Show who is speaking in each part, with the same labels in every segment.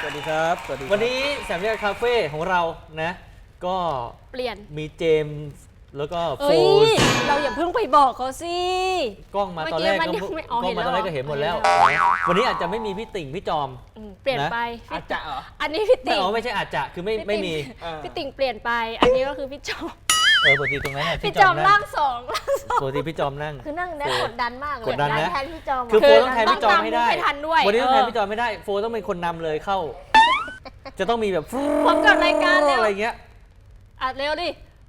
Speaker 1: สวัสดีครับสวัสดี
Speaker 2: วันนี้แสมเรียกคาเฟ่ของเรานะก็
Speaker 3: เปลี่ยน
Speaker 2: มีเจมส์แล้วก็โฟ
Speaker 3: เอ้ย
Speaker 2: น
Speaker 3: เราอย่าเพิ่งไปบอกเขาสิ
Speaker 2: กล้องมาตอนแรก
Speaker 3: เมื่อกี้มันยังไม่อ๋อ
Speaker 2: กล้องมาตอนแรกก็เห็นหมดแล้ว
Speaker 3: เห็นแล้ว
Speaker 2: วันนี้อาจจะไม่มีพี่ติ่งพี่จอม
Speaker 3: เปลี่ยน
Speaker 2: นะ
Speaker 3: ไป
Speaker 1: อาจจะเหรอ
Speaker 3: อันนี้พี่
Speaker 2: ไม่
Speaker 3: ติ่ง
Speaker 2: เอาไม่ใช่อาจจะคือไม่มี
Speaker 3: พี่ติ่งเปลี่ยนไป อันนี้ก็คือพี่จอม
Speaker 2: ปกติตรงนั้นน่ะ
Speaker 3: พี่จอม
Speaker 2: นั่
Speaker 3: ร่างงสอง
Speaker 2: ปกติพี่จอมนั่ง
Speaker 4: คือนั่งได้กดดันมากเลย
Speaker 2: กดดันนะ
Speaker 4: แทนพี่จอม
Speaker 2: คือโฟต้องแทนพี่จอมให้ได้
Speaker 3: ต้องตามให้ทันด้วย
Speaker 2: วันนี้ต้องแทน
Speaker 3: เออ
Speaker 2: พี่จอมไม่ได้โฟต้องเป็นคนนำเลยเข้า จะต้องมีแบบ
Speaker 3: พบกับรายการแล้ว
Speaker 2: อะไรเงี้ย
Speaker 3: อัดเร็วดิ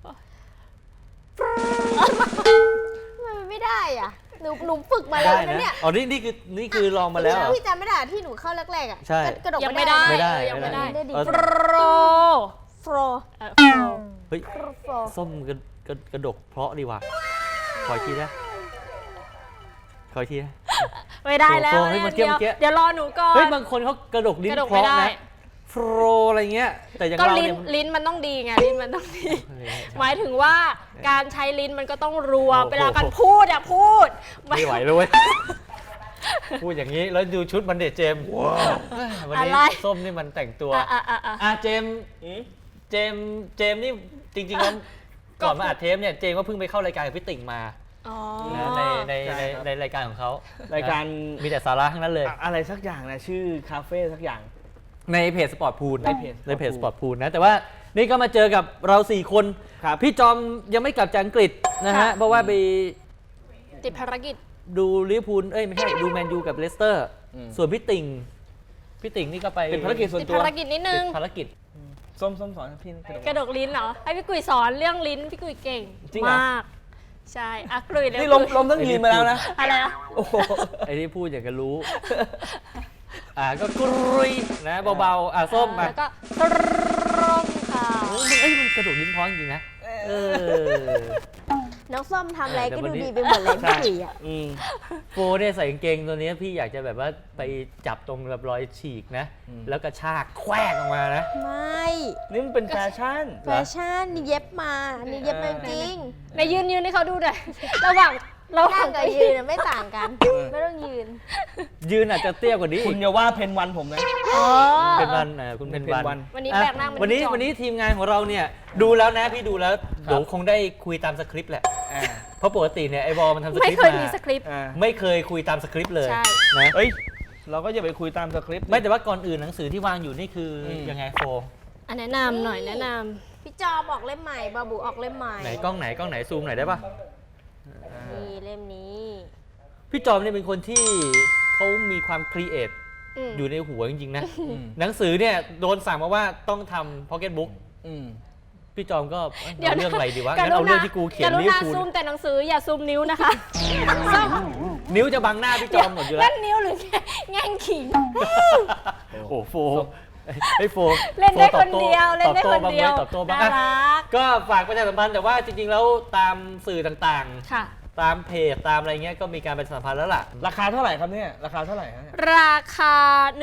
Speaker 4: ทำไมมันไม่ได้อ่ะหนูฝึกมาแล้ว
Speaker 2: ได้
Speaker 4: นะ
Speaker 2: นะ
Speaker 4: เนี่ย
Speaker 2: อ๋อนี่คือลองมาแล้วเหรอ
Speaker 4: พี่จำไม่ได้ที่หนูเข้าแรกๆอ่ะ
Speaker 2: ใช่
Speaker 4: กระดก
Speaker 3: ยัง
Speaker 4: ไม่
Speaker 3: ไม่
Speaker 4: ได้
Speaker 3: ได้
Speaker 2: ไม่ได้
Speaker 3: ยังไม่ได้
Speaker 4: ไม่ได้
Speaker 3: โปร
Speaker 4: โฟร
Speaker 3: โปร
Speaker 2: เฮ้ย
Speaker 4: โฟร
Speaker 2: ส้มกระดกเพราะดีว่ะขออีกทีนะขออีกทีนะ
Speaker 3: ไม่ได้แล้ว
Speaker 2: โปรให้เมื่อกี้
Speaker 3: เดี๋ยวรอหนูก่อน
Speaker 2: เฮ้ยบางคนเขากระดกลิ้น
Speaker 3: กระดก
Speaker 2: เพ
Speaker 3: ไม่
Speaker 2: ราะ
Speaker 3: ได้
Speaker 2: นะโฟรอะไรเงี้ยแต่อย่าง
Speaker 3: ก็
Speaker 2: เรา
Speaker 3: ลิ้น
Speaker 2: เนี่ย
Speaker 3: ลิ้นมันต้องดีไงลิ้นมันต้องดี
Speaker 2: เออ
Speaker 3: หมายถึงว่าการใช้ลิ้นมันก็ต้องรัว
Speaker 2: โอ้โห
Speaker 3: เวลาการพูดอะพูด
Speaker 2: ไม่ไหวเลยเว้ยพูดอย่างนี้แล้วดูชุดมันเด็ดเจมส์วันนี้
Speaker 3: อะไร
Speaker 2: ส้มนี่มันแต่งตัว
Speaker 3: อ่ะ
Speaker 2: เจมส์นี่จริงๆแล้วก่อนมาอัดเทปเนี่ยเจมส์ก็เพิ่งไปเข้ารายการกับพี่ติ่งมา
Speaker 3: อ๋อ
Speaker 2: นะใน
Speaker 1: ใช่ครับ
Speaker 2: ในรายการของเขา
Speaker 1: รายการ
Speaker 2: นะมีแต่สาระทั้งนั้นเลย
Speaker 1: อะไรสักอย่างนะชื่อคาเฟ่สักอย่าง
Speaker 2: ในเพจสปอร์ตพูล
Speaker 1: ในเพจ
Speaker 2: สปอร์ตพูลนะแต่ว่านี่ก็มาเจอกับเรา4คน
Speaker 1: ครับ
Speaker 2: พี่จอมยังไม่กลับจากอังกฤษนะฮะ
Speaker 3: ค่ะ
Speaker 2: เพราะว่าไป
Speaker 3: ติดภารกิจ
Speaker 2: ดูลิเวอร์พูลไม่ใช่ดูแมนยูกับเลสเตอร์
Speaker 1: อืม
Speaker 2: ส่วนพี่ติ่งนี่ก็ไป
Speaker 1: เป็นภารกิจส่วน
Speaker 3: ติด
Speaker 1: ตัว
Speaker 3: ภารกิจนิดนึ
Speaker 2: ติ
Speaker 3: ง
Speaker 2: ดภารกิจ
Speaker 1: ส้มสอนพี่กระ
Speaker 3: กระดกลิ้นเหรอ ให้พี่กุยสอนเรื่องลิ้น พี่กุยเก่ง
Speaker 1: จริงเหรอ
Speaker 3: มาก ใช่อ่ะกุยเร็ว
Speaker 1: นี่ลมต้องยืนมาแล้วนะ
Speaker 3: อะไรนะ
Speaker 1: โอ้โห
Speaker 2: ไอ้ที่พูดอย่างกันรู้ ก็กรุยนะเบาๆส้มมา
Speaker 3: แล้วก็ตรงค่ะ
Speaker 2: มันกระโดดลิ้นพ้องจริงนะเออ
Speaker 4: น้องส้มทำอะไรก็
Speaker 2: เดี๋ยววัน
Speaker 4: ดู
Speaker 2: นี้
Speaker 4: ดีไปหมดเลยพี่กุยอ่ะ
Speaker 1: อืม
Speaker 2: โฟเนี่ยใส่กางเกงตัวนี้พี่อยากจะแบบว่าไปจับตรงแบบรอยฉีกนะ แล้วกระชากแควกออกมานะ
Speaker 4: ไม่
Speaker 1: นี่มันเป็นแฟชั่น
Speaker 4: แฟชั่นนี่เย็บมาอันนี้เย็บมาจริง
Speaker 3: ในยืนให้เขาดูหน่อย ระหว่าง
Speaker 4: นั่งกับยืนอะไม่ต่างกัน ไม่ต้องยืน
Speaker 2: ยืนอาจจะเตี้ยกว่านี้
Speaker 1: คุณอย่าว่าเพนวันผมนะ
Speaker 3: อ๋อ
Speaker 2: เป็นวันคุณเป็นวัน
Speaker 3: วันนี้
Speaker 2: อ่ะ
Speaker 3: แปลกหน้าเป็น
Speaker 2: วันนี้
Speaker 3: พี่จอม
Speaker 2: วันนี้ทีมงานของเราเนี่ยดูแล้วนะพี่ดูแล้วเดี๋ยวคงได้คุยตามสคริปต์แหละ
Speaker 1: อ่า
Speaker 2: เพราะปกติเนี่ยไอบอลมันทำสค
Speaker 3: ไม่
Speaker 2: ริป
Speaker 3: เค
Speaker 2: ต์
Speaker 3: ยมี
Speaker 2: มา
Speaker 3: สคริปต์
Speaker 1: อ่า
Speaker 2: ไม่เคยคุยตามสคริปต์เลย
Speaker 3: ใช่
Speaker 2: นะ
Speaker 1: เฮ้ย เราก็อย่าไปคุยตามสคริปต์
Speaker 2: ไม่แต่ว่าก่อนอื่นหนังสือที่วางอยู่นี่คือยังไงโฟ
Speaker 3: อันแนะนำหน่อยแนะน
Speaker 4: พี่จอมออกเล่มใหม่บาบูออกเล่มใหม่
Speaker 2: ไหนกล้องไหนซูมหน่อยได้ปะ
Speaker 4: นี่เล่มนี้
Speaker 2: พี่จอมเนี่ยเป็นคนที่เขามีความครีเอท
Speaker 3: ำ
Speaker 2: อยู่ในหัวจริงๆนะ
Speaker 1: อืม
Speaker 2: หนังสือเนี่ยโดนสั่งมาว่าต้องทำพ็อกเก็ตบุ๊ก
Speaker 1: อืม
Speaker 2: พี่จอมก็
Speaker 3: เดี๋ยว
Speaker 2: เอาเรื่องอะไรดีวะ
Speaker 3: ก
Speaker 2: งั้นเอา
Speaker 3: ณ
Speaker 2: เรื่องที่กูเขียน
Speaker 3: กรุ
Speaker 2: ลิเวอ
Speaker 3: ณา
Speaker 2: ร์พูล
Speaker 3: ซูมแต่หนังสืออย่าซูมนิ้วนะคะซูม
Speaker 2: นิ้วจะบังหน้าพี่จอมหมดอยู่แล้
Speaker 3: นั่
Speaker 2: วน
Speaker 3: นิ้วหรือแง่งขิง
Speaker 2: โอ้โฟไอ้โฟ
Speaker 3: เล่นได้
Speaker 2: โฟ
Speaker 3: คนเดียวเล่นได้คนเดียว
Speaker 2: ตอบโต้บ้าง
Speaker 3: น่า
Speaker 2: อ่ะ
Speaker 3: รัก
Speaker 2: ก็ฝากประชาสัมพันธ์แต่ว่าจริงๆแล้วตามสื่อต่าง
Speaker 3: ค่ะ
Speaker 2: ๆ ตามเพจตามอะไรเงี้ยก็มีการประชาสัมพันธ์แล้วล่ะ
Speaker 1: ราคาเท่าไหร่ครับเนี่ย ราคาเท่าไหร่ฮะ
Speaker 3: ราคา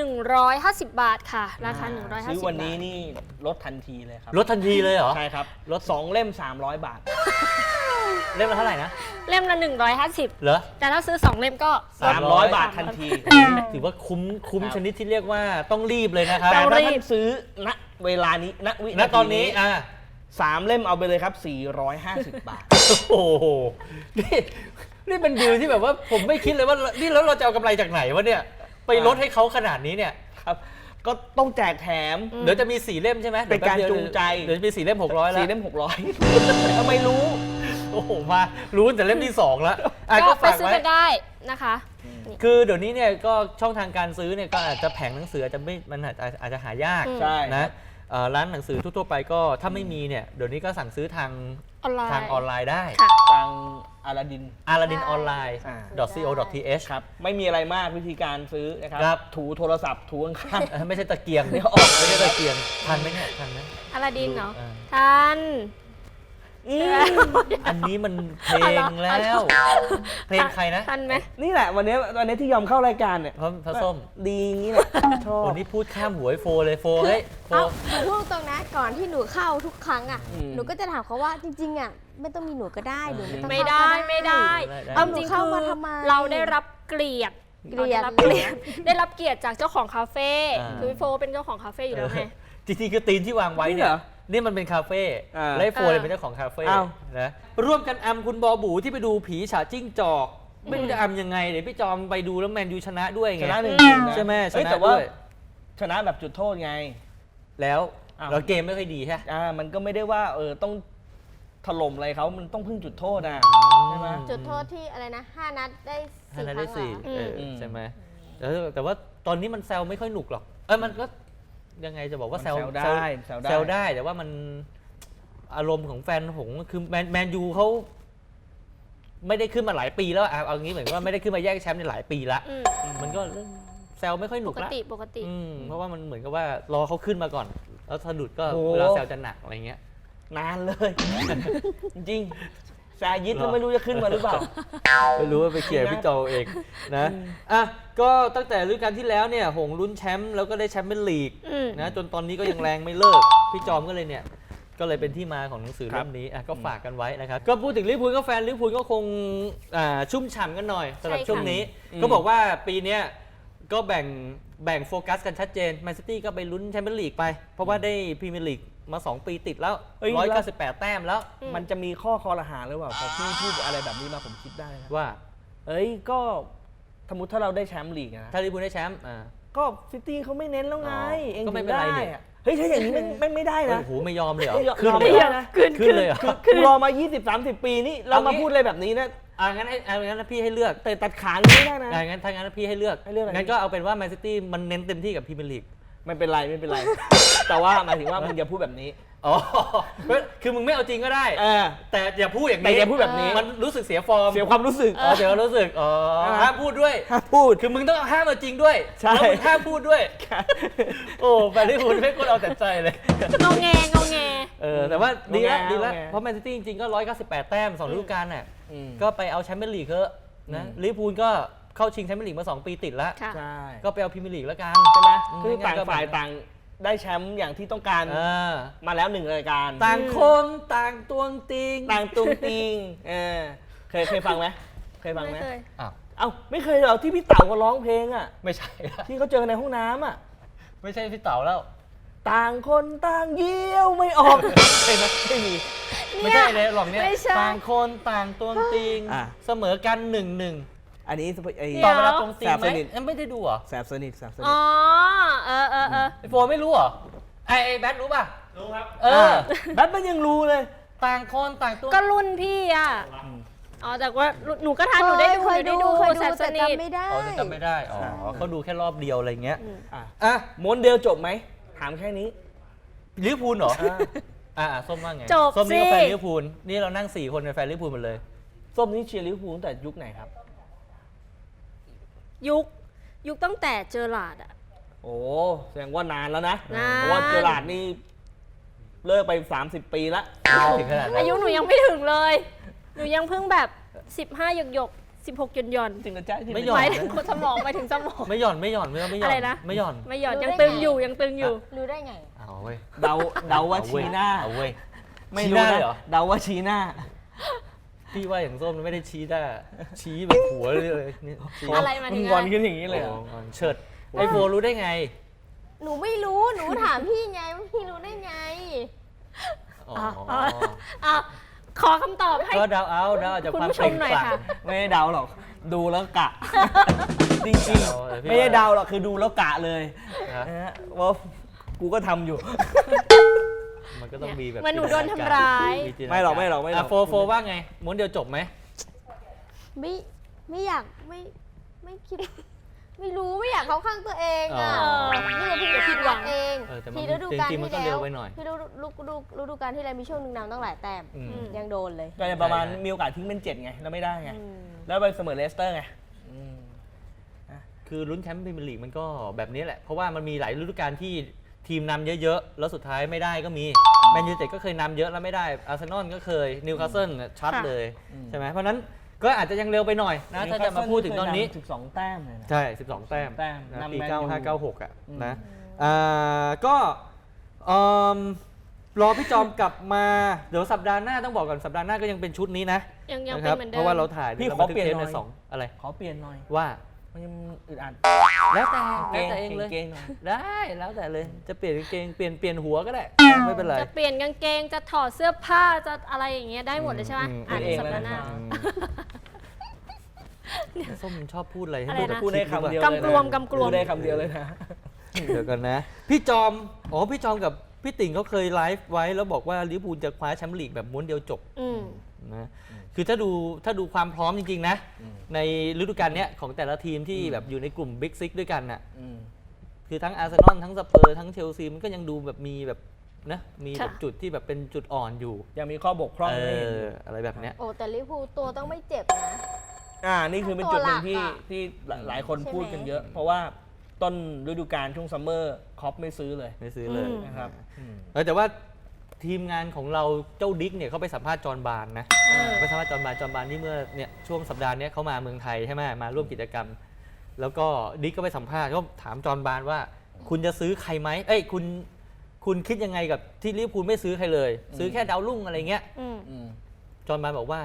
Speaker 3: 150 บาทค่ะ ราคา 150
Speaker 1: ซื้อวันนี้
Speaker 3: บาท
Speaker 1: นี่ลดทันทีเลยครับ
Speaker 2: ลดทันทีเลยเหรอ
Speaker 1: ใช่ครับลด2เล่ม300 บาท
Speaker 2: เล่มละเท่าไหร่นะ
Speaker 3: เล่มละ 150
Speaker 2: เหรอ
Speaker 3: แต่ถ้าซื้อ 2 เล่มก็
Speaker 1: 300 บาททันที
Speaker 2: ถือว่าคุ้ม
Speaker 1: ครับ
Speaker 2: ชนิดที่เรียกว่าต้องรีบเลยนะครับ
Speaker 1: แต่
Speaker 3: ต้อง
Speaker 1: ถ้า
Speaker 3: รีบ
Speaker 1: ท่านซื้อณเวลานี้ณวิ
Speaker 2: ณ
Speaker 1: นา
Speaker 2: ตอน
Speaker 1: ที
Speaker 2: นี้
Speaker 1: นี้3เล่มเอาไปเลยครับ 450 บาท
Speaker 2: โอ้โหนี่เป็นดีลที่แบบว่าผมไม่คิดเลยว่านี่แล้วเราจะเอากำไรจากไหนวะเนี่ย ไปลดให้เขาขนาดนี้เนี่ย
Speaker 1: ครับ ก็ต้องแจกแถม
Speaker 2: เดี๋ยวจะมี4เล่มใช่ไหม
Speaker 1: เป็นการจูงใจ
Speaker 2: เดี๋ยวจะมี4เล่ม600แล้ว
Speaker 1: 4เล่ม600 ทำไมรู้
Speaker 2: โอ้โหมารู้แต่เล่มที่2แล้วอ่ะ
Speaker 3: ก็
Speaker 2: ก็
Speaker 3: ไป
Speaker 2: ฝาก
Speaker 3: ซื้อ
Speaker 2: ไว้
Speaker 3: กันได้นะคะ
Speaker 2: คือเดี๋ยวนี้เนี่ยก็ช่องทางการซื้อเนี่ยก็อาจจะแผงหนังสืออาจจะไม่มันอาจจะหายาก
Speaker 3: อืม
Speaker 1: ใช่
Speaker 2: นะร้านหนังสือทั่วๆไปก็ถ้าไม่มีเนี่ยเดี๋ยวนี้ก็สั่งซื้อทาง
Speaker 3: ออนไลน์
Speaker 2: ทางออนไลน์ได้
Speaker 3: ค่ะ
Speaker 1: ทางอาลาดิน
Speaker 2: Aladdin Online
Speaker 1: อ่า
Speaker 2: .co.th
Speaker 1: ครับ ไม่มีอะไรมากวิธีการซื้อนะครับ
Speaker 2: ครับ
Speaker 1: ถูโทรศัพท์ถูข้าง
Speaker 2: ไม่ใช่ตะเกียง
Speaker 1: เดี๋ยวออก
Speaker 2: ไม่ใช่ตะเกียงทันไหมเนี่ยทันไหม
Speaker 3: อลาดินเนาะ
Speaker 2: อ่า
Speaker 3: ทัน
Speaker 2: อันนี้มันเพลงแล้ว เพลงใครนะ
Speaker 3: ทันไหม
Speaker 1: ๆนี่แหละวันนี้ที่ยอมเข้ารายการเนี่ย
Speaker 2: พระส้ม
Speaker 1: ดีอย่างนี้แหละชอบ
Speaker 2: วันนี้พูดข้ามหัวไอ้โฟเลยโฟเฮ้ยโฟ
Speaker 4: เอาหนูพูดตรงนะก่อนที่หนูเข้าทุกครั้งอ่ะ
Speaker 1: อืม
Speaker 4: หนูก็จะถามเขาว่าจริงๆอ่ะไม่ต้องมีหนูก็ได้หนูไม่ต้อง
Speaker 3: ไม่
Speaker 4: เข้า
Speaker 3: ได้
Speaker 4: ก็
Speaker 3: ไม่ได้
Speaker 2: ได้
Speaker 3: เอาจริง
Speaker 4: เข้า
Speaker 3: คือ
Speaker 4: มาทำไม
Speaker 3: เราได้รับเกลียด
Speaker 4: เกลียด
Speaker 3: ได้รับเกียรติจากเจ้าของคาเฟ่
Speaker 2: อ่า
Speaker 3: คือพี่โฟเป็นเจ้าของคาเฟ่อยู่แล้วไง
Speaker 2: จริงๆคือธีมที่วางไว้
Speaker 1: นี่
Speaker 2: เนี่
Speaker 1: เห
Speaker 2: ย
Speaker 1: รอ
Speaker 2: นี่มันเป็นคาเฟ่
Speaker 1: อ่า
Speaker 2: และไอ้โฟเลยเป็นเจ้าของคาเฟ่
Speaker 1: อ้าว
Speaker 2: นะร่วมกันอำคุณบอบูที่ไปดูผีฉาจิ้งจอกไม่รู้จะอำยังไงเดี๋ยวพี่จอมไปดูแล้วแมนยูชนะด้วย
Speaker 1: ช
Speaker 2: ไง
Speaker 1: นะ1-0นะ
Speaker 2: ใช่ไหมช
Speaker 1: เฮ้ย
Speaker 2: นะ
Speaker 1: แต่ว่า
Speaker 2: ด้วย
Speaker 1: ชนะแบบจุดโทษไง
Speaker 2: แล้ว
Speaker 1: อ้าว
Speaker 2: เราเกมไม่ค่อยดีใช่ไหม
Speaker 1: มันก็ไม่ได้ว่าต้องถล่มอะไรเขามันต้องพึ่งจุดโทษนะใช่ไหม
Speaker 4: จุดโทษที่อะไรนะ 5 นัดได้
Speaker 2: ห้า
Speaker 4: 4
Speaker 2: นัด
Speaker 4: ค
Speaker 2: ได้
Speaker 4: รั้งเหร
Speaker 2: สี่
Speaker 4: อ
Speaker 2: ใช่ไหมแต่ว่าตอนนี้มันแซวไม่ค่อยหนุกหรอกมันก็ยังไงจะบอกว่าแซว
Speaker 1: มันแซวได้แซวได้
Speaker 2: แซวได้แต่ว่ามันอารมณ์ของแฟนหงส์คือแมนยูเขาไม่ได้ขึ้นมาหลายปีแล้วเอางี้เหมือนว่าไม่ได้ขึ้นมาแย่งแชมป์ในหลายปีละ
Speaker 3: อืม
Speaker 2: มันก็เริ่มแซวไม่ค่อยหนุ
Speaker 3: ป
Speaker 2: ก
Speaker 3: ก
Speaker 2: ละ
Speaker 3: ติปกติ
Speaker 2: เพราะว่ามันเหมือนกับว่ารอเขาขึ้นมาก่อน แล้วสะดุดก็
Speaker 1: โอ้
Speaker 2: เวลาแซวจะหนักอะไรเงี้ย
Speaker 1: นานเลย จริงๆแซยิดแล้วไม่รู้จะขึ้นมาหรือเปล่า
Speaker 2: ไม่รู้ว่าไปเคลียร์พี่โจเองนะอ่ะก็ตั้งแต่ฤดูกาลที่แล้วเนี่ยหงส์ลุ้นแชมป์แล้วก็ได้แชมป์เป็นลีก
Speaker 3: อืม
Speaker 2: นะจนตอนนี้ก็ยังแรงไม่เลิก พี่จอมก็เลยเนี่ยก็เลยเป็นที่มาของหนังสือ
Speaker 1: ครั
Speaker 2: เล่
Speaker 1: บ
Speaker 2: มนี้อ่ะก็ฝากกันไว้นะครับก็พูดถึงลิเวอร์พูลก็แฟนลิเวอร์พูลก็คงชุ่มฉ่ำกันหน่อยสำหรับ
Speaker 3: ใช่ค่ะ
Speaker 2: ช่วงนี้ ก็บอกว่าปีเนี้ยก็แบ่งโฟกัสกันชัดเจนแมนซิตี้ก็ไปลุ้นแชมเปี้ยนลีกไป เพราะว่าได้พรีเมียร์ลีกมา 2 ปีติดแล้ว
Speaker 1: เฮ้ย
Speaker 2: 198 แต้มแล้ว
Speaker 1: มันจะมีข้อคอรหาหรือเปล่าพอพี่พูดอะไรแบบนี้มาผมคิดได้นะ
Speaker 2: ว่า
Speaker 1: ก็สมมติถ้าเราได้แชมป์ลีกนะ
Speaker 2: ถ้าลิเวอร์พูลได้แชมป์
Speaker 1: ก็ซิตี้เขาไม่เน้นแล้วไง
Speaker 2: อ๋อ
Speaker 1: เอง
Speaker 2: ก็ไม่เป็นไรนี่
Speaker 1: ถึงด้อะเฮ้ยถ้าอย่างนี้ไม่ได้นะ
Speaker 2: โอ้โหไม่ยอมเลยเหรอ
Speaker 1: ไม่ยอม
Speaker 2: ขึ้น
Speaker 1: ไม่
Speaker 2: เลย
Speaker 1: ย
Speaker 2: เหรอ
Speaker 1: อมนะ
Speaker 2: ขึ้นเลยเหรอ
Speaker 1: กูรอมา 20-30 ปีนี่เรา
Speaker 2: เอางี้
Speaker 1: มาพูดอะไรแบบนี้นะ
Speaker 2: งั้นพี่ให้เลือก
Speaker 1: แต่ตัดขาอย่างนี้ไม่ได้นะ
Speaker 2: ถ้างั้นพี่ให้เลือก
Speaker 1: ให้เลือกอะไร
Speaker 2: งั้นก็เอาเป็นว่าแมนซิตี้มันเน้นเต็มที่กับพรีเมียร์ลีก
Speaker 1: ไม่เป็นไร แต่ว่าหมายถึงว่ามึงอย่าพูดแบบนี้
Speaker 2: อ๋อ คือมึงไม่เอาจริงก็ได้ แต่อย่าพูดอย่างนี้
Speaker 1: แต่อย่าพูดแบบนี้
Speaker 2: มันรู้สึกเสียฟอร์ม
Speaker 1: เสียความรู้สึก
Speaker 2: เสียความรู้สึกห้ามพูดด้วย
Speaker 1: ห้ามพูด
Speaker 2: คือมึงต้องห้ามเอาจริงด้วย
Speaker 1: ใช่
Speaker 2: แล้วมึงห้ามพูดด้วย โอ้แฟนลิเวอร์พูลไม่ควรเอาแต่ใจเลย
Speaker 3: งอแงงอแง
Speaker 2: แต่ว่าดีแล้ว
Speaker 1: งอแง
Speaker 2: ดีแล้ว
Speaker 1: งอแง
Speaker 2: เพราะแมนซิตี้จริงๆก็198 แต้ม2ฤดูกาลน่ะ
Speaker 1: อืม
Speaker 2: ก็ไปเอาแชมเปี้ยนลีกเถอะนะลิเวอร์พูลก็เข้าชิงแชมเปี้ยนลีกมา 2 ปีติดแล้ว
Speaker 3: ค่ะ
Speaker 1: ใช่
Speaker 2: ก็ไปเอาพรีเมียร์ลีกแล้วกัน
Speaker 1: ใช่ไหม
Speaker 2: อืม
Speaker 1: คือต่าง
Speaker 2: งั้นก็
Speaker 1: ฝ่ายต่างได้แชมป์อย่างที่ต้องการ
Speaker 2: เออ
Speaker 1: มาแล้ว1 รายการ
Speaker 2: ต่างคนต่างตวงติง
Speaker 1: ต่างตุงติงเคยฟังไหมเคยฟังไหม
Speaker 3: ไม่เคย
Speaker 2: อ้าว
Speaker 1: เอ้าไม่เคยเหรอที่พี่เต๋าเขาร้องเพลงอ่ะ
Speaker 2: ไม่ใช่
Speaker 1: ที่เขาเจอในห้องน้ำอ่ะ
Speaker 2: ไม่ใช่พี่เต๋าแล้ว
Speaker 1: ต่างคนต่างเยี่ยวไม่ออก ใช่ไหมไม่มี
Speaker 2: ไม่ใช่เลยหรอกเนี่ย
Speaker 3: ไม่ใช่
Speaker 2: ต่างคนต่างตวงติง
Speaker 1: อ่ะ
Speaker 2: เสมอกัน1-1
Speaker 1: อันนี้ไอ้
Speaker 3: เดี๋
Speaker 2: ต่
Speaker 3: ย
Speaker 2: อ
Speaker 3: ว
Speaker 2: เวลาตรงติง
Speaker 1: แสบ
Speaker 2: ไหม
Speaker 1: สนิท
Speaker 2: ไม่ได้ดูเหรอ
Speaker 1: แสบสนิท
Speaker 3: อ๋อ เออ
Speaker 2: ไอโฟไม่รู้เหรอไอแบทรู้ป่ะ
Speaker 5: รู้ครับ
Speaker 1: แบทมันยังรู้เลย
Speaker 2: ต่างคนต่างตวง
Speaker 3: ก็รุ่นพี่อ่ะ อ๋อ แต่ว่าหนูก็ทันหนูได้ดู
Speaker 4: เคยดู
Speaker 3: แสบส
Speaker 4: แต่
Speaker 3: นิท
Speaker 4: จำไม่ได้
Speaker 2: อ๋อจะจำไม่ได้อ๋อเขาดูแค่รอบเดียวอะไรเงี้ย
Speaker 1: อ่ะม้วนเดียวจบไหมถามแค่นี้
Speaker 2: ลิเวอร์พูลเหรอ ส้มว่าไง
Speaker 3: จบ
Speaker 2: ส้มนี่ก็
Speaker 3: สิ
Speaker 2: แฟนลิเวอร์พูลนี่เรานั่ง4 คนเป็นแฟนลิเวอร์พูลหมดเลย
Speaker 1: ส้มนี่เชียร์ลิเวอร์พูลตั้งแต่ยุคไหนครับ
Speaker 3: ยุคตั้งแต่เจอหลาดอ่ะ
Speaker 1: โอ้แสดงว่านานแล้วนะ
Speaker 3: นาน
Speaker 1: เพราะว่าเจอราร์ดนี่เลิกไป 30 ปีละ
Speaker 2: ถึงขนาดนั้น
Speaker 3: อายุหนูยังไม่ถึงเลย หนูยังเพิ่งแบบ 15 หยก16 หย่อน
Speaker 1: จริงกระจ้า
Speaker 2: ไม่หย่
Speaker 3: ห
Speaker 2: อน
Speaker 3: มายถึงคนสมองหมายถึงสมอง
Speaker 2: ไม่หย่อนไม่หย่อนไม่หย่อน
Speaker 3: อะไรนะ
Speaker 2: ไม่หย่อน
Speaker 3: ไม่หย่อน
Speaker 4: รู้
Speaker 3: ยัง
Speaker 4: ได้
Speaker 3: ตึง
Speaker 4: ไง
Speaker 3: อยู่ยังตึงอยู่
Speaker 4: รู้ได้ไง
Speaker 2: เอาเว้ย
Speaker 1: เดาว่าชีหน้า
Speaker 2: เอาเว้ย
Speaker 1: ไม่
Speaker 2: ชี้
Speaker 1: รู้
Speaker 2: หน้า
Speaker 1: นะ
Speaker 2: เลยเหรอ
Speaker 1: เดาว่าชี้หน้า
Speaker 2: พี่ว่าอย่างส้มไม่ได้ชี้หน้าชี้แบบหัวเลยนี่ชี้
Speaker 3: อะไรมา
Speaker 1: มึ
Speaker 3: ถึ
Speaker 1: ง
Speaker 3: ง
Speaker 1: งอน
Speaker 3: อะไร
Speaker 1: ขึ้นอย่างนี้เลยเหรอ
Speaker 2: โอ้เฉิดไอโฟรู้ได้ไง
Speaker 4: หนูไม่รู้ หนูถามพี่ไงว่าพี่รู้ได้ไง
Speaker 2: อ๋อ
Speaker 3: อ่ะขอคำตอบให้
Speaker 2: ก็เดาเอาเดาจาก
Speaker 3: คุณ
Speaker 2: ความ
Speaker 3: ผู้ช
Speaker 2: เปล่
Speaker 3: ม
Speaker 2: ง
Speaker 3: หน่อย
Speaker 2: ปลั่ง
Speaker 3: ค่ะ
Speaker 1: ไม่ได้เดาหรอก ดูแล้วกะ จริง
Speaker 2: เดาเลยพี่
Speaker 1: ๆ ไม่ได้เดาหรอกคือดูแล้วกะเลย
Speaker 2: ฮะ
Speaker 1: นะฮะว่ากูก็ทำอยู่
Speaker 2: มันก็ต้องมีแบบ
Speaker 3: เหมือนหนูโดนทำร้าย
Speaker 2: จินตนา
Speaker 1: ไม่หรอกไม่หรอกไม่หรอก
Speaker 2: โฟว่าไงม้วนเดียวจบไหม
Speaker 4: ไม่อยากไม่คิด ไม่รู้ไม่อยากเข้าข้างตัวเองอ่ะ
Speaker 2: อ๋อ
Speaker 4: นี่เราเพิ่ง
Speaker 3: อย่าผิดหวัง
Speaker 4: เอง
Speaker 2: แต่มัน
Speaker 4: พี่ฤดูกาล
Speaker 2: จริงๆมัน
Speaker 4: ที่
Speaker 2: ก็
Speaker 4: แล้
Speaker 2: เร็
Speaker 4: ว
Speaker 2: วไปหน่อย
Speaker 4: พี่ฤดูกาลที่แล้วมีช่วงหนึงนำตั้งหลายแต้ม
Speaker 2: อืม
Speaker 4: ยังโดนเลย
Speaker 1: ก็จะประมาณ
Speaker 2: ใช่
Speaker 1: มีโอกาสทิ้งเป็น 7 ไง แล้วไม่ได้ไง
Speaker 4: อืม
Speaker 1: แล้วไปเสมอเลสเตอร์ไงอืม
Speaker 2: คือลุ้นแชมป์พรีเมียร์ลีกมันก็แบบนี้แหละ เพราะว่ามันมีหลายฤดูกาลที่ทีมนำเยอะๆ แล้วสุดท้ายไม่ได้ก็มีแมนยูไนเต็ดก็เคยนำเยอะแล้วไม่ได้อาร์เซนอลก็เคยนิวคาสเซิลชัด
Speaker 3: ค่ะ
Speaker 2: เลย
Speaker 1: อืม
Speaker 2: ใช่ไหมเพราะฉะนั้นก็อาจจะยังเร็วไปหน่อยนะถ้าจะมาพูดถึงตอนนี้
Speaker 1: 12 แต้มเลยนะ
Speaker 2: ใช่ 12 แต้ม
Speaker 1: แต้ม
Speaker 2: นะ
Speaker 1: นำ
Speaker 2: ปี
Speaker 1: แมนยู
Speaker 2: 95-96 อ่ะ
Speaker 1: อืม
Speaker 2: นะก็เอิ่มรอพี่จอมกลับมา เดี๋ยวสัปดาห์หน้าต้องบอกก่อนสัปดาห์หน้าก็ยังเป็นชุดนี้นะ
Speaker 3: ยัง
Speaker 2: นะ
Speaker 3: เป็
Speaker 2: คน รับ
Speaker 3: เพ
Speaker 2: ราะว่าเราถ่าย
Speaker 1: พี่
Speaker 2: เรา
Speaker 1: ขอ
Speaker 2: บันทึก
Speaker 1: เปลี่ยน
Speaker 2: เทป
Speaker 1: หน่
Speaker 2: ใน
Speaker 1: อย
Speaker 2: สองอะไร
Speaker 1: ขอเปลี่ยนหน่อย
Speaker 2: ว่า
Speaker 1: มันยังอึดอัด
Speaker 2: แล้วแต่
Speaker 1: เกง
Speaker 2: เองเลย
Speaker 1: เกงๆหน่อย
Speaker 2: ได้แล้วแต่เลยจะเปลี่ยนกางเกงเปลี่ยนหัวก็ได้ไม่เป็นไร
Speaker 3: จะเปลี่ยนกางเกงจะถอดเสื้อผ้าจะอะไรอย่างเงี้ยได้หมดเลยใช่ไหมอ่านในสัปดาห์หน้า
Speaker 2: ส้มชอบพูดอะไรให้
Speaker 3: อะไรนะ
Speaker 1: พูดได้คำเดียว
Speaker 3: กำกลวมกำกลวม
Speaker 1: พูดได้คำเดียวเลยนะ
Speaker 2: เดี๋ยวกันนะ พี่จอมพี่จอมกับพี่ติ่งเขาเคยไลฟ์ไว้แล้วบอกว่าลิเวอร์พูลจะคว้าแชมป์ลีกแบบม้วนเดียวจบ
Speaker 3: อืม
Speaker 2: นะคือถ้าดูความพร้อมจริงๆนะในฤดูกาลเนี้ยของแต่ละทีมที่แบบอยู่ในกลุ่มบิ๊กซิกด้วยกันน่ะคือทั้งอาร์เซนอลทั้งสเปอร์ทั้งเชลซีมันก็ยังดูแบบมีแบบนะมีแบบ
Speaker 3: ค่ะ
Speaker 2: จุดที่แบบเป็นจุดอ่อนอยู่
Speaker 1: ยังมีข้อบกพร่องให้เห็นอยู่
Speaker 2: อะไรแบบเนี้ย
Speaker 4: โอ้แต่ลิเวอร์พูลตัวต้องไม่เจ็บนะ
Speaker 1: นี่คือเป็นจุดหนึ่งที่
Speaker 4: ตัวหลักอะ
Speaker 1: ที่หลายคน
Speaker 4: ใช่ไหม
Speaker 1: พูดกันเยอะ เพราะว่าต้นฤดูกาลช่วงซัมเมอร์คอปไม่ซื้อเลย
Speaker 2: ไม่ซื้อเลย
Speaker 3: อืม
Speaker 1: นะครับ
Speaker 2: แต่ว่าทีมงานของเราเจ้าดิ๊กเนี่ยเขาไปสัมภาษณ์จอห์นบานนะ ไปสัมภาษณ์จอห์นบานที่เมื่อเนี่ยช่วงสัปดาห์เนี้ยเขามาเมืองไทยใช่ไหมมาร่วมกิจกรรม แล้วก็ดิ๊กก็ไปสัมภาษณ์ก็ถามจอห์นบานว่า คุณจะซื้อใครไหมคุณคิดยังไงกับที่ลิเวอร์พูลไม่ซื้อใครเลย ซื้อแค่ดาวรุ่งอะไรเงี้ย
Speaker 3: อืม
Speaker 2: จอห์นบานบอกว่า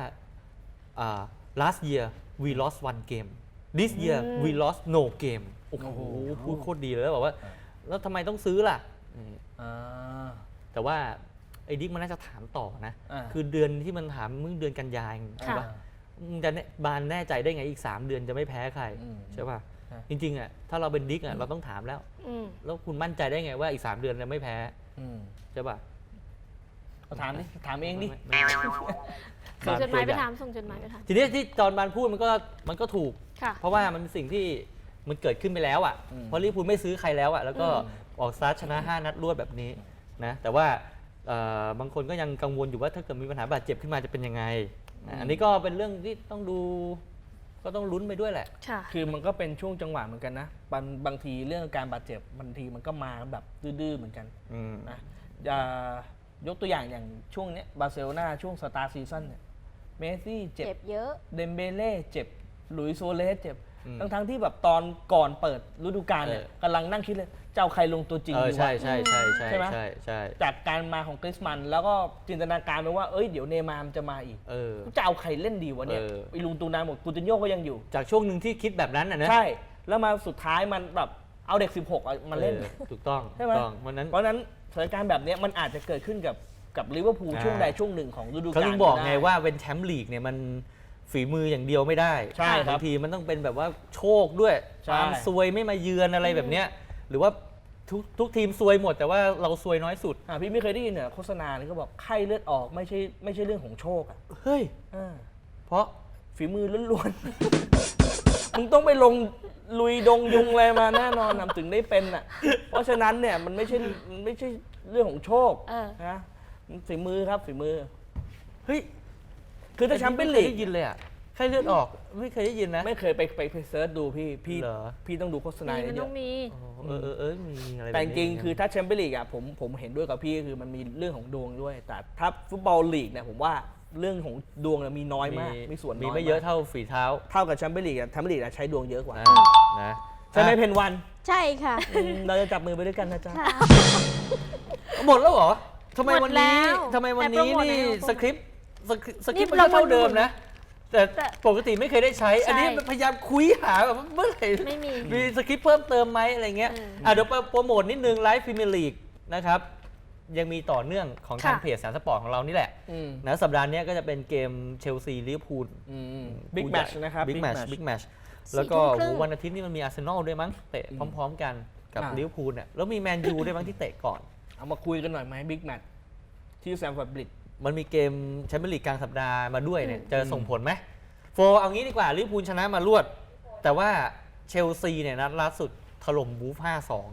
Speaker 2: last year we lost one game this year we lost no game โอ้โหพูดโคตรดีเลยแล้วบอกว่าแล้วทำไมต้องซื้อล่ะ แต่ว่าไอ้ดิ๊กมันน่าจะถามต่อนะ คือเดือนที่มันถามมึงเดือนกันยายน
Speaker 3: ค่ะ
Speaker 2: ว่ามึงจะบานแน่ใจได้ไงอีก 3 เดือนจะไม่แพ้ใคร ใช่ป่ะ จริงๆอ่ะถ้าเราเป็นดิ๊กอ่ะเราต้องถามแล้ว
Speaker 3: อืม
Speaker 2: แล้วคุณมั่นใจได้ไงว่าอีก 3 เดือนจะไม่แพ้ใช่ป่ะ
Speaker 1: ถามดิถามเองดิ
Speaker 3: ส่งจดหมายไปถามส่งจดหมายไปถาม
Speaker 2: ทีนี้ที่จอห์นบานพูดมันก็ถูก
Speaker 3: ค่ะ
Speaker 2: เพราะว่ามันเป็นสิ่งที่มันเกิดขึ้นไปแล้วอ่ะเพราะลิเวอร์พูลไม่ซื้อใครแล้วอ่ะแล้วก็ออกสตาร์ทชนะ 5 นัดรวดแบบนี้นะแต่ว่าบางคนก็ยังกังวลอยู่ว่าถ้าเกิดมีปัญหาบาดเจ็บขึ้นมาจะเป็นยังไงอันนี้ก็เป็นเรื่องที่ต้องดูก็ต้องลุ้นไปด้วยแหละ
Speaker 3: ค่ะ
Speaker 1: คือมันก็เป็นช่วงจังหวะเหมือนกันนะบางทีเรื่องการบาดเจ็บบางทีมันก็มาแบบดื้อๆเหมือนกันนะยกตัวอย่างช่วงเนี้ยบาร์เซโลนาช่วงสตาร์ซีซั่นเนี่ยเมสซี่เจ็
Speaker 4: เจ็
Speaker 1: บบ
Speaker 4: เยอะ
Speaker 1: เดมเบเล่เจ็บหลุยส์โซเลสเจ็บทั้งที่แบบตอนก่อนเปิดฤดูกาลเนี่ยกำลังนั่งคิดเลยจะเอาใครลงตัวจริงดีวะ
Speaker 2: ใช่
Speaker 1: ใช่ไหม
Speaker 2: ใช่
Speaker 1: จากการมาของกริสมันแล้วก็จินตนาการไปว่าเดี๋ยวเนย์มาร์มันจะมาอีกจะเอาใครเล่นดีวะเนี่ยไอ้ลุงตูนานหมดกูตินโญ่ก็ยังอยู่
Speaker 2: จากช่วงหนึ่งที่คิดแบบนั้นนะ
Speaker 1: ใช่แล้วมาสุดท้ายมันแบบเอาเด็ก 16มาเล่น
Speaker 2: ถูกต้อง
Speaker 1: ใช่ไหม
Speaker 2: ถูกต้องวันนั้น
Speaker 1: เพราะฉะนั้นสถานการณ์แบบเนี้ยมันอาจจะเกิดขึ้นกับลิเวอร์พูลช่วงใดช่วงหนึ่งของฤดูกาล
Speaker 2: เขาถึงบอกไง
Speaker 1: ด้
Speaker 2: ว่าเป็นแชมป์ลีกเนี่ยมันฝีมืออย่างเดียวไม่ได้
Speaker 1: ใช่ครับ
Speaker 2: บางทีมันต้องเป็นแบบว่าโชคด้วย
Speaker 1: ใช่
Speaker 2: ความซวยไม่มาเยือนอะไรแบบเนี้ยหรือว่าทุกทีมซวยหมดแต่ว่าเราซวยน้อยสุด
Speaker 1: พี่ไม่เคยได้ยินเนี่ยโฆษณานี่ก็บอกไข้เลือดออกไม่ใช่เรื่องของโชคอ่ะ
Speaker 2: เฮ้ย เพราะ
Speaker 1: ฝีมือล้วนๆ มึงต้องไปลงลุยดงยุงอะไรมาแน่นอนนะถึงได้เป็นอ่ะเพราะฉะนั้นเนี่ยมันไม่ใช่เรื่องของโชคนะมันฝีมือครับฝีมือ
Speaker 2: เฮ้ย
Speaker 1: คือถ้าแชมเปี้ยน
Speaker 2: ไม่
Speaker 1: ลี
Speaker 2: เคย
Speaker 1: ก
Speaker 2: ได้ยินเลยอ่ะใครเลือดออกไม่เคยได้ยินนะ
Speaker 1: ไม่เคยไปเซิร์ชดูพี่
Speaker 2: เหรอ
Speaker 1: พี่ต้องดูโฆษณา
Speaker 3: มีมัน
Speaker 1: เย
Speaker 3: ต้อ
Speaker 1: อะ
Speaker 3: งมี
Speaker 2: มีอะไรแบบนี้
Speaker 1: แต่จริงๆคือถ้าแชมเปี้ยนลีกอ่ะผมเห็นด้วยกับพี่คือมันมีเรื่องของดวงด้วย แต่ถ้าฟุตบอลลีกเนี่ยผมว่าเรื่องของดวงเนี่ยมีน้อยมากมีส่วนน้อย
Speaker 2: มีไม่เยอะเท่าฝีเท้า
Speaker 1: เท่ากับแชมเปี้ยนลีกอ่ะแชมเปี้ยนลีกอ่ะใช้ดวงเยอะกว่า
Speaker 2: นะ
Speaker 1: ใช่ไหมเพนวัน
Speaker 4: ใช่ค่ะ
Speaker 1: เราจะจับมือไปด้วยกันนะจ๊ะ
Speaker 2: หมดแล้วเหรอทำไม
Speaker 3: หม
Speaker 2: วัน
Speaker 3: ดแล้
Speaker 2: นี้
Speaker 3: ว
Speaker 2: ทำไมวัน
Speaker 3: แต่โปร
Speaker 2: นี้
Speaker 3: โมท
Speaker 2: นี่
Speaker 3: แล้ว
Speaker 2: สคริปต์มัน
Speaker 3: เรา
Speaker 2: ก็เท่าเดิมนะ แต่
Speaker 3: แต่
Speaker 2: ปกติไม่เคยได้ใช้ อันนี้
Speaker 3: ใช่
Speaker 2: พยายามคุยหาแบบเมื่อไหร่
Speaker 3: ไม่มี
Speaker 2: มีสคริปต์เพิ่มเติมไหมอะไรเงี้ยเดี๋ยวโปรโมทนิดนึงไลฟ์พรีเมียร์ลีกนะครับยังมีต่อเนื่องของทาง
Speaker 3: ค่ะ
Speaker 2: เพจสารสปอร์ตของเรานี่แหละนะสัปดาห์นี้ก็จะเป็นเกมเชลซีลิเวอร์พูล
Speaker 1: บิ๊กแมตช์นะครับ
Speaker 2: บิ๊กแมตช์แล้วก็วันอาทิตย์นี่มันมีอาร์เซนอลด้วยมั้งเตะพร้อมๆกันกับลิเวอร์พูลเนี่ยแล้วมีแมนยูด้วยมั้งที่เตะก่อน
Speaker 1: เอามาคุยกันหน่อยไหมบิ๊กแมตช์ที่แซมฟอร์ดบริดจ์
Speaker 2: มันมีเกมแชมเปี้ยนลีกกลางสัปดาห์มาด้วยเนี่ยจะส่งผลไหมเอางี้ดีกว่าลิเวอร์พูลชนะมารวด แต่ว่าเชลซีเนี่ยนัดล่าสุดถล่มวูฟ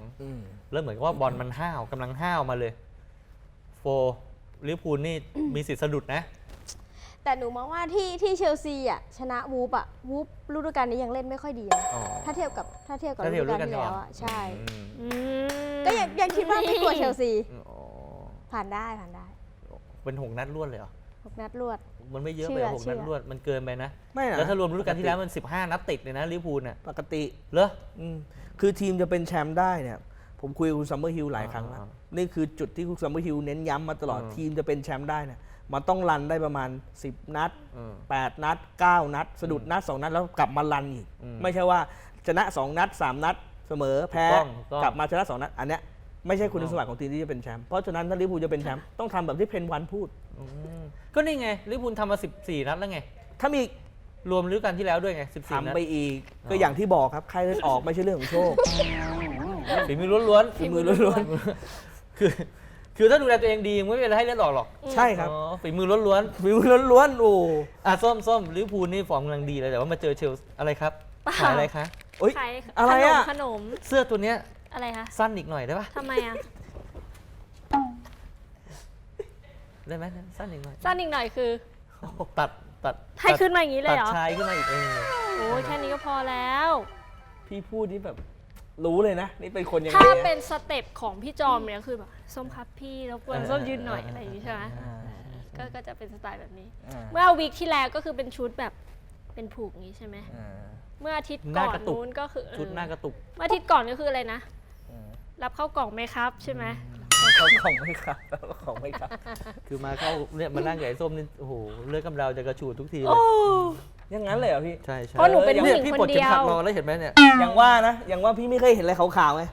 Speaker 2: 5-2 แล้วเหมือนกับว่าบอลมันกำลังห้าวมาเลยลิเวอร์พูลนี่มีสิทธิ์สะดุดนะ
Speaker 4: แต่หนูมองว่าที่เชลซีอ่ะชนะวูฟฤดูกาลนี้ยังเล่นไม่ค่อยดีนะ
Speaker 2: อ๋อ
Speaker 4: ถ้าเทียบกับ
Speaker 2: ถ้าเที
Speaker 4: ฤ
Speaker 2: ยบ
Speaker 4: ดูกาล
Speaker 2: ฤดูกาล
Speaker 4: ที่
Speaker 2: ก่อน
Speaker 4: แล้วอ่ะใช่
Speaker 3: อืม
Speaker 4: ก็ยังคิดว่าไม่กลัวเชลซี
Speaker 2: อ๋อ
Speaker 4: ผ่านได้
Speaker 2: เป็น6 นัดรวดเลยเหรอ
Speaker 4: 6 นัดรวด
Speaker 2: มันไม่เยอะ
Speaker 4: เชื่
Speaker 2: ไป
Speaker 4: อ
Speaker 2: 6 นัดรวดมันเกินไปนะ
Speaker 1: ไม่นะ
Speaker 2: แล้วถ้ารวมฤดูกาลที่แล้วมัน15 นัดติดเลยนะลิเวอร์พูลน่ะ
Speaker 1: ปกติ
Speaker 2: เหรอ
Speaker 1: คือทีมจะเป็นแชมป์ได้เนี่ยผมคุยกับคุณซัมเมอร์ฮิลหลายครั้งแล้ว นี่คือจุดที่คุณซัมเมอร์ฮิลเน้นย้ำมาตลอดทีมจะเป็นแชมป์ได้เนี่ยมันต้องรันได้ประมาณ10 นัด 8 นัด 9 นัด สะดุดนัด 2 นัดแล้วกลับมารันอีก ไม่ใช่ว่าชนะ 2 นัด 3 นัดเสมอแพ้
Speaker 2: ถูกต้อง
Speaker 1: กลับมาชนะ 2 นัด อันเนี้ยไม่ใช่คุณสมบัติของทีมที่จะเป็นแชมป์เพราะฉะนั้นถ้าลิเวอร์พูลจะเป็นแชมป์ต้องทำแบบที่เพนวันพูด
Speaker 2: อืมก็นี่ไงลิเวอร์พูลทำมา14 นัดแล้วไง
Speaker 1: ถ้ามี
Speaker 2: รวมฤดูกาลที่แล้วด้วยไง14 นัด
Speaker 1: ทำไปอีกก็อย่างที่บอกครับใครเล่นออกไม่ใช่เรื่องของโชค
Speaker 2: ฝีมือล้วน
Speaker 1: ฝีมือล้วน
Speaker 2: ๆคือถ้าดูแลตัวเองดีไม่เป็นไรให้เล่นออกหรอก
Speaker 1: ๆใช่ครับ
Speaker 2: อ๋อฝีมือล้วน
Speaker 1: ฝีมือล้วนๆโอ้
Speaker 2: ๆส้มลิเวอร์พูลนี่ฟอร์มกำลังดีเลยแต่ว่ามาเจอเชลซีอะไรครับ
Speaker 3: เปล่า
Speaker 2: ขายอะไรคะ
Speaker 1: โอ๊ย
Speaker 3: ขาย
Speaker 1: อะไรอะ
Speaker 3: ขนม
Speaker 2: เสื้อตัวเนี้ย
Speaker 3: อะไรคะ
Speaker 2: สั้นอีกหน่อยได้ปะ
Speaker 3: ทำไมอะ
Speaker 2: ได้ไหมสั้นอีกหน่อย
Speaker 3: สั้นอีกหน่อยคือ
Speaker 2: ตัด
Speaker 3: ให้ขึ้นมาอย่างนี้เลยเหรอ
Speaker 2: ตัดชายขึ้นมาอีก
Speaker 3: โอ้ยแค่นี้ก็พอแล้ว
Speaker 1: พี่พูดนี่แบบรู้เลยนะ นี่เป็นคนยังไง
Speaker 3: ถ้า
Speaker 1: นะ
Speaker 3: เป็นสเต็ปของพี่จอมเนี่ยคือแบบส้มครับพี่แล้วกวนส้มยืนหน่อยอะไรอย่างนี้ใช่ไหมก็จะเป็นสไตล์แบบนี้ เมื่อวีคที่แล้วก็คือเป็นชุดแบบเป็นผูกอย่างนี้ใช่ไหมเมื่ออาทิตย์ก่อนนู้นก็คือ
Speaker 2: ชุดหน้ากระตุก
Speaker 3: เมื่ออาทิตย์ก่อนก็คืออะไรนะ รับเข้ากล่องไหมครับใช่ไหม
Speaker 1: เขาของไม่ครับของไม่ครับ
Speaker 2: คือมาเข้าเนี่ยมานั่งกับไอ้ส้มนี่โอ้โหเลือดกำเดาจะกระชูดทุกทีเลย
Speaker 1: อย่างนั้นเลยเหรอพี่
Speaker 2: ใช่ใช่
Speaker 3: เพราะหนูเป็นผู้หญิง
Speaker 2: พี่
Speaker 3: คน
Speaker 2: ปลด
Speaker 3: เดี
Speaker 2: เข็ม
Speaker 3: ย
Speaker 2: ขัด
Speaker 3: ว
Speaker 2: รอแล้วเห็นไหมเนี่ย
Speaker 1: อย่างว่านะอย่างว่าพี่ไม่เคยเห็นอะไรขาวๆไง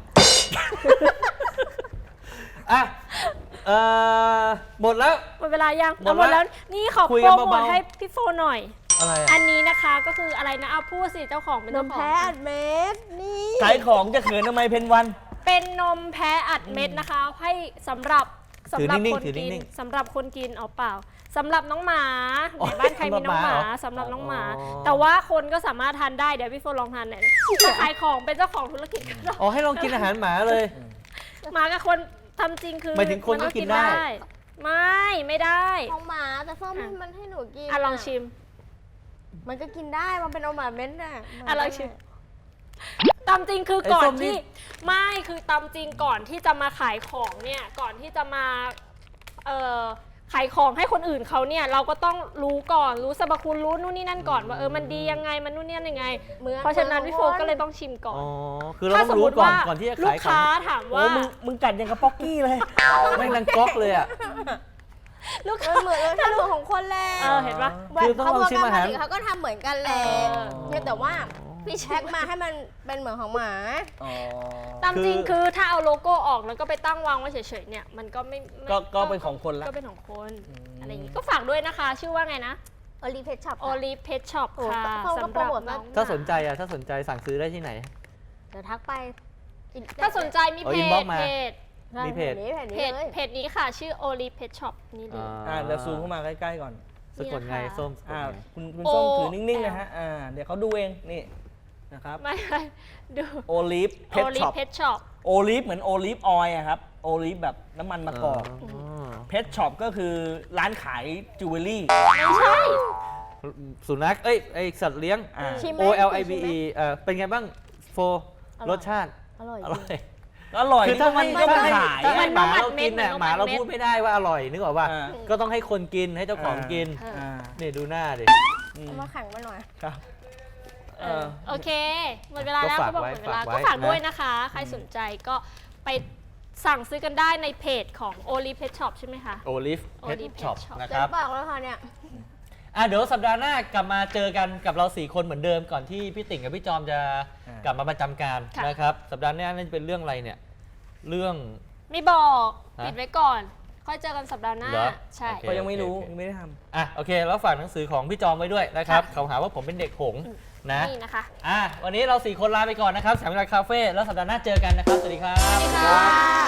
Speaker 2: อ่ะหมดแล้ว
Speaker 3: หมดเวลายัง
Speaker 2: หมด
Speaker 3: หมด
Speaker 2: แล้
Speaker 3: แล้ว วนี่ขอ
Speaker 2: คุย
Speaker 3: โป
Speaker 2: กั
Speaker 3: ร
Speaker 2: น
Speaker 3: โมท
Speaker 2: เบาๆ
Speaker 3: ให้พี่โฟหน่อย
Speaker 2: อะไร
Speaker 3: อั
Speaker 2: อ่ะ
Speaker 3: นนี้นะคะก็คืออะไรนะเอาพูดสิเจ้าของเป็น
Speaker 4: น
Speaker 3: เจ้าม ของ
Speaker 4: แพ้อัดเม็ดนี่
Speaker 1: ขายของจะเขินทำไมเพนวัน
Speaker 3: เป็นนมแพ้อัดเม็ดนะคะ ให้สำหรับ
Speaker 2: ถือ
Speaker 3: คน
Speaker 2: นิ่งๆถือ
Speaker 3: กิน
Speaker 2: นิ่ง
Speaker 3: สำหรับคนกินเอาเปล่าสำหรับน้องหมาในบ้านใครมีน้องหมาสำหรับน้องหมา แต่ว่าคนก็สามารถทานได้เดี๋ยวพี่โฟลองทานหน่อยถ้าขายของเป็นเจ้าของธุรกิจก็ได้
Speaker 2: อ๋อให้ลองกินอาหารหมาเลย
Speaker 3: หมากับคนทำจริงคือ
Speaker 2: หมายถึงคนก็กินได้
Speaker 3: ไม่ได้
Speaker 4: ของหมาแต่ส้มมันให้หนูกิน
Speaker 3: อ่ะลองชิม
Speaker 4: มันก็กินได้มันเป็นอมหมาเม็ดน่ะ
Speaker 3: อ่ะลองชิม ตามจริงคือ
Speaker 2: ไอ้
Speaker 3: ก่อ
Speaker 2: ส้
Speaker 3: น
Speaker 2: มนี่
Speaker 3: ที่ไม่คือตามจริงก่อนที่จะมาขายของเนี่ยก่อนที่จะมาขายของให้คนอื่นเขาเนี่ยเราก็ต้องรู้ก่อนรู้สรรพคุณรู้นู่นนี่นั่นก่อนว่ามันดียังไงมันนู่นนี่นั่นยังไง เพราะฉะนั้นพี่โฟก็เลยต้องชิมก่อน
Speaker 2: อ๋อคือเราต้องรู้ก่อนที่จะ
Speaker 3: ลู
Speaker 2: ขาย
Speaker 3: ก
Speaker 2: ของ
Speaker 3: ค้าถาม
Speaker 1: โอ้
Speaker 3: ว่า
Speaker 1: มึงกัดยังกับป๊อกกี้เลย
Speaker 2: แม่งดังก๊อกเลยอ่ะ
Speaker 3: ลูก
Speaker 4: เอ
Speaker 3: ค้า
Speaker 4: อเหมือนถ้าเหมือนของคนแหละ
Speaker 3: เห็นปะ
Speaker 2: คือต้องลองชิมอาหาร
Speaker 4: เขาก็ทำเหมือนกันแหละ
Speaker 3: เออ
Speaker 4: เนี่ยแต่ว่าพี่แช็คมาให้มันเป็นเหมือนของหมา
Speaker 3: ตามจริงคือถ้าเอาโลโก้ออกแล้วก็ไปตั้งวางไว้เฉยๆเนี่ยมันก็ไม่
Speaker 1: ก็เป็นของคนละ
Speaker 3: ก็เป็นของคนอะไรอย่างงี้ก็ฝากด้วยนะคะ ชื่อว่าไงนะ
Speaker 4: โอลีเพชช็อป
Speaker 3: โอลิฟเพชช็อป
Speaker 4: โอ้
Speaker 3: ค่ะ
Speaker 4: เขาก็
Speaker 3: สำห
Speaker 4: โปร
Speaker 3: รับ
Speaker 4: โมท
Speaker 3: น้
Speaker 4: มา
Speaker 3: อง
Speaker 2: ถ้าสนใจถ้าสนใจสั่งซื้อได้ที่ไหน
Speaker 4: เดี๋ยวทักไป
Speaker 3: ถ้าสนใจมี
Speaker 2: เอา
Speaker 3: เพจ
Speaker 2: inbox มา
Speaker 3: เพจ
Speaker 2: มีเพจ
Speaker 4: นี้
Speaker 3: เพจนี้ค่ะ ชื่อโอลิฟเพชช็อปนี่เลย
Speaker 1: เดี๋ยวซูมเข้ามาใกล้ๆก่อน
Speaker 2: สะกดไงส้มสะกดไง
Speaker 1: คุณส้มถือนิ่งๆนะฮะเดี๋ยวเขาดูเองนี่นะครับ
Speaker 3: ไม่ดู
Speaker 1: โอลิฟเพ
Speaker 3: โอ
Speaker 1: ช
Speaker 3: ลิ
Speaker 1: ช็
Speaker 3: ฟ
Speaker 1: อป
Speaker 3: เพชช็อป
Speaker 1: โอลิฟเหมือนโอลิฟออยล์อะครับโอลิฟแบบน้ำมันมะกอกเพชช็อปก็คือร้านขายจิวเวลรี่
Speaker 3: ไม่ใช่
Speaker 2: สุนัขไอสัตว์เลี้ยง
Speaker 4: ชิมไหม
Speaker 2: O L I V E เป็นไงบ้างโฟรสชาติ
Speaker 4: อร่อย
Speaker 2: อร่อย
Speaker 1: อร่อย
Speaker 2: คือถ้า
Speaker 1: มันก็
Speaker 2: ถ้า
Speaker 1: มา
Speaker 2: ให้
Speaker 1: ขาย
Speaker 2: ถ้าให้
Speaker 3: มัน
Speaker 2: หมา
Speaker 3: มัน
Speaker 2: เรากินเนี่ย
Speaker 3: มัน
Speaker 2: หมาเรา
Speaker 3: มัน
Speaker 2: พูดไม่ได้ว่าอร่อยนึกออกป่ะ
Speaker 1: อ่า
Speaker 2: ก็ต้องให้คนกินให้เจ้าของกิน
Speaker 1: อ่า
Speaker 2: นี่ดูหน้าดิ
Speaker 4: เอามาขังมาหน่อย
Speaker 1: ครับ
Speaker 3: โอเคหมดเวลาแล้ว
Speaker 2: ก็ฝาก
Speaker 3: ก็บอกห
Speaker 2: ไว้
Speaker 3: มดเวลา
Speaker 2: ฝากไว้
Speaker 3: ก็ฝากด้วย
Speaker 2: นะ
Speaker 3: นะคะ ใครสนใจก็ไปสั่งซื้อกันได้ในเพจของโอลิฟเพชช็อปใช่ไหมคะ
Speaker 2: โอลิฟเพ
Speaker 3: Olive
Speaker 2: ช
Speaker 3: Pet
Speaker 2: ช็อป
Speaker 3: Shop
Speaker 2: นะค
Speaker 4: เต็
Speaker 2: รั
Speaker 4: ม
Speaker 2: บ
Speaker 4: ปากแล้วค่ะเนี่ย
Speaker 2: เดี๋ยวสัปดาห์หน้ากลับมาเจอกันกับเรา 4 คนเหมือนเดิมก่อนที่พี่ติ่งกับพี่จอมจะกลับมาประจำการ
Speaker 3: ค่ะ
Speaker 2: นะครับ สัปดาห์หน้าน่าจะเป็นเรื่องอะไรเนี่ย เรื่อง
Speaker 3: ไม่บอก
Speaker 2: ฮะ
Speaker 3: ปิดไว้ก่อน ค่อยเจอกันสัปดาห์หน้า
Speaker 2: เหรอ
Speaker 3: ใช่
Speaker 2: โอเค
Speaker 1: ก็ยังไม่รู้ยังไม่ได้ทำ
Speaker 2: โอเค แล้วฝากหนังสือของพี่จอมไว้ด้วยนะครับ
Speaker 3: ค่ะ
Speaker 2: เขาหาว่าผมเป็นเด็กหงส์นะ
Speaker 3: นี่นะคะ
Speaker 2: วันนี้เรา 4 คนลาไปก่อนนะครับสามเวลาคาเฟ่แล้วสัปดาห์หน้าเจอกันนะครับ สวัสดีครับ
Speaker 3: สวัสดีค่ะ